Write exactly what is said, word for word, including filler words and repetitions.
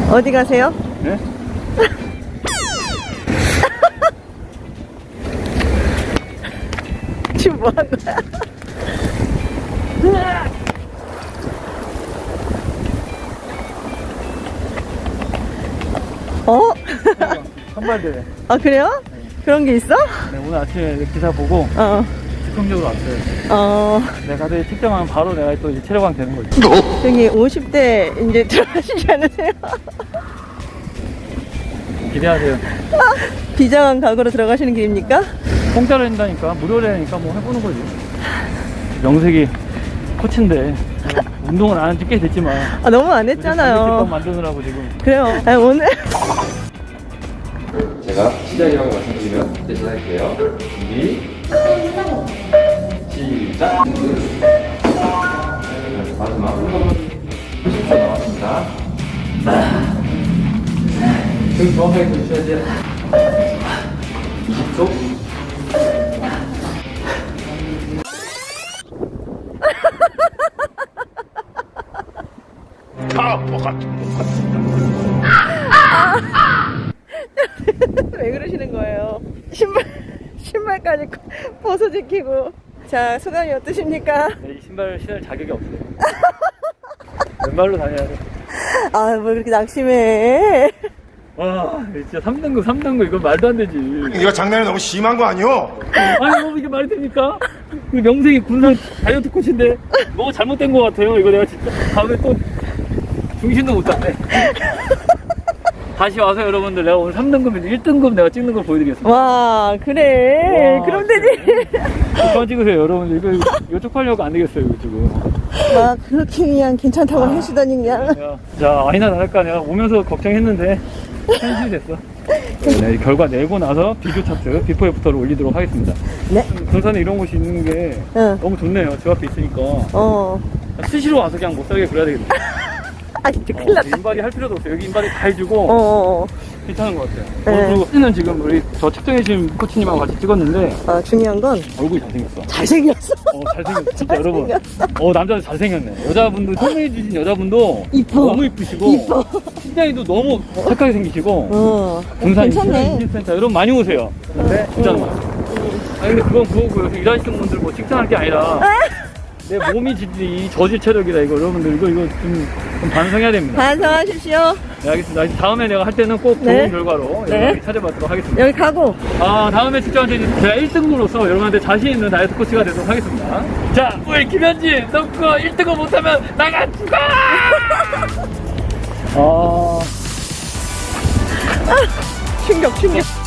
어디 가세요? 네? 지금 뭐 하는 거야? 어? 선발대회. 아, 그래요? 그런 게 있어? 네, 오늘 아침에 기사 보고 어. 즉흥적으로 왔어요. 어. 내가 가서 측정하면 바로 내가 또 이제 체력왕 되는 거지. 저기 오십 대 이제 들어가시지 않으세요? 기대하세요. 비장한 각오로 들어가시는 길입니까? 공짜로 한다니까, 무료로 하니까 뭐 해보는 거지. 명색이 코치인데 운동을 안 한 지 꽤 됐지만 아, 너무 안 김밥 했잖아요. 만드느라고 지금. 그래요. 아니, 오늘 제가 시작이라고 말씀드리면 이제 시작할게요. 준비. 시작. 마지막 삼십 초 남았습니다. 여기 정확하게 보셔야 돼요. 이십 초. 왜 그러시는 거예요? 신발, 신발까지 벗어지키고. 자, 소감이 어떠십니까? 네, 이 신발 신을 자격이 없어요. 왼발로 다녀야 돼. 아, 뭐 그렇게 낙심해. 와, 진짜 삼 등급, 삼 등급, 이건 말도 안 되지. 이거 장난이 너무 심한 거 아니오? 아니, 뭐 이게 말이 됩니까? 그 명색이 군산 다이어트 코치인데, 뭐 잘못된 것 같아요. 이거 내가 진짜 다음에 또 중심도 못 잡네. 다시 와서 여러분들, 내가 오늘 삼 등급인데 일 등급 내가 찍는 걸 보여드리겠습니다. 와, 그래. 와, 그럼 되지. 그만 찍으세요, 여러분들. 이거, 이거, 이거 쪽팔려고 안 되겠어요, 이거 지금. 와, 그렇게 그냥 괜찮다고 하시더니 그냥. 야, 자, 아니나 다를까 내가 오면서 걱정했는데, 현실이 됐어. 네, 이 결과 내고 나서 비교 차트, 비포 애프터를 올리도록 하겠습니다. 네. 군산에 이런 곳이 있는 게 응. 너무 좋네요. 집 앞에 있으니까. 어. 수시로 와서 그냥 못 살게 그래야 되겠네. 아, 진짜 큰일 어, 났다. 인발이 할 필요도 없어요. 여기 인발이 다 해주고 어, 어, 어. 괜찮은 것 같아요. 네. 어, 그리고 사진은 지금 우리 저 측정해주신 코치님하고 같이 찍었는데 아, 중요한 건 얼굴이 잘생겼어. 잘생겼어. 어, 잘생겼어. 진짜 여러분. 잘생겼어. 어, 남자도 잘생겼네. 여자분도, 설명해주신 여자분도 이뻐. 너무 이쁘시고. 이뻐. 신장이도 너무 착하게 생기시고. 어. 군산 괜찮네. 인증센터 여러분 많이 오세요. 근데 진짜 많아요. 아니 근데 그건 그거고 여기서 일하시는 분들 뭐 칭찬할 게 아니라 내 몸이 진짜 이 저질 체력이다 이거 여러분들 이거 이거 좀, 좀 반성해야 됩니다. 반성하십시오. 네, 알겠습니다. 다음에 내가 할 때는 꼭 좋은 네. 결과로 네. 여러분들 찾아뵙도록 하겠습니다. 여기 가고. 아 다음에 측정한테 제가 일 등으로서 여러분한테 자신 있는 다이어트 코치가 되도록 하겠습니다. 자 우리 김현진 너 그거 일 등을 못하면 나가 죽어. 아 충격, 충격.